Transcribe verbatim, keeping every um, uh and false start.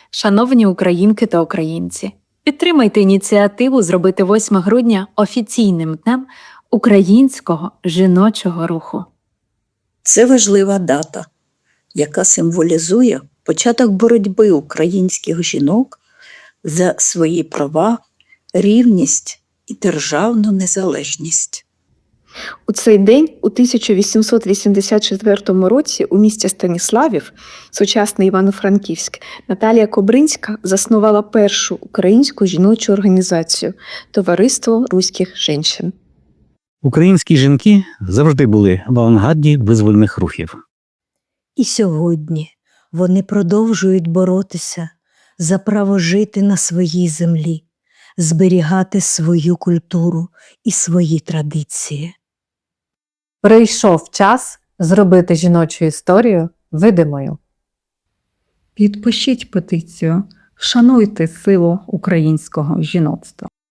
Шановні українки та українці, підтримайте ініціативу зробити восьме грудня офіційним днем українського жіночого руху. Це важлива дата, яка символізує початок боротьби українських жінок за свої права, рівність і державну незалежність. У цей день, у тисяча вісімсот вісімдесят четвертому році, у місті Станіславів, сучасний Івано-Франківськ, Наталія Кобринська заснувала першу українську жіночу організацію – Товариство руських женщин. Українські жінки завжди були в авангарді визвольних рухів. І сьогодні вони продовжують боротися за право жити на своїй землі, зберігати свою культуру і свої традиції. Прийшов час зробити жіночу історію видимою. Підпишіть петицію «Вшануйте силу українського жіноцтва».